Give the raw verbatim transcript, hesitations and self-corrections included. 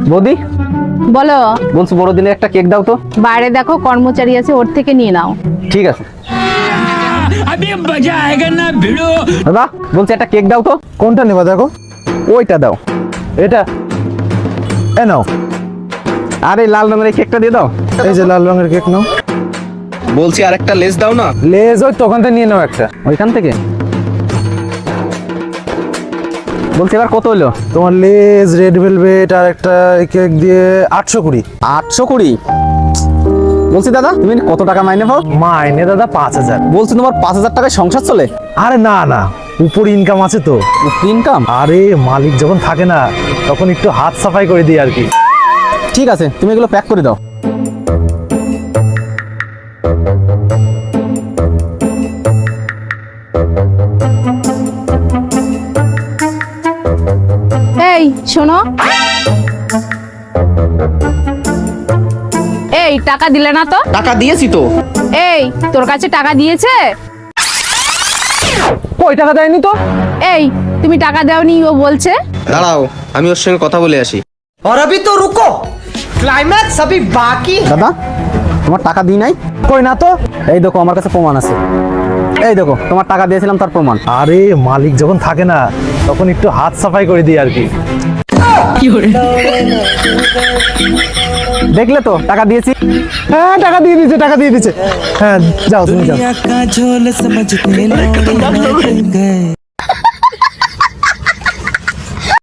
বৌদি বলো। বলছি বড়দিনের একটা কেক দাও তো। বাইরে দেখো কর্মচারী আছে, ওর থেকে নিয়ে নাও। ঠিক আছে। দাদা বলছি একটা কেক দাও তো। কোনটা নেবা দেখো? ওইটা দাও। এটা এ নাও। আরে লাল রঙের এই কেকটা দিয়ে দাও। এই যে লাল রঙের কেক নাও। বলছি আর একটা লেস দাও না। লেজ ওই তখন থেকে নিয়ে নাও একটা। ওইখান থেকে। বলছি এবার কত হলো? তোমার লেজ, রেড ভেলভেট আর একটা কেক দিয়ে আটশো কুড়ি। আটশো কুড়ি? বলছি দাদা তুমি কত টাকা মাইনে পাও? মাইনে দাদা পাঁচ হাজার। বলছি তোমার পাঁচ হাজার টাকায় সংসার চলে? আরে না না, উপর ইনকাম আছে তো। ইনকাম? আরে মালিক যখন থাকে না তখন একটু হাত সাফাই করে দিই আর কি। ঠিক আছে, তুমি এগুলো প্যাক করে দাও। এই শোনো, এই টাকা দিলে না তো? টাকা দিয়েছি তো। এই তোর কাছে টাকা দিয়েছে? কই টাকা দেয়নি তো? এই তুমি টাকা দাওনি ও বলছে। দাঁড়াও, আমি ওর সঙ্গে কথা বলে আসি। और अभी तो रुको, क्लाइमैक्स अभी बाकी है। দাদা তোমার টাকা দিই নাই। কই না তো। এই দেখো আমার কাছে প্রমাণ আছে। এই দেখো তোমার টাকা দিয়েছিলাম তার প্রমাণ। আরে মালিক যখন থাকে না তখন একটু হাত সাফাই করে দিই আর কি। দেখলে তো টাকা দিয়েছি। হ্যাঁ টাকা দিয়ে দিচ্ছে, টাকা দিয়ে দিচ্ছে। হ্যাঁ যাও তুমি যাও। दुनिया का झोल समझते लौड़े लग गए।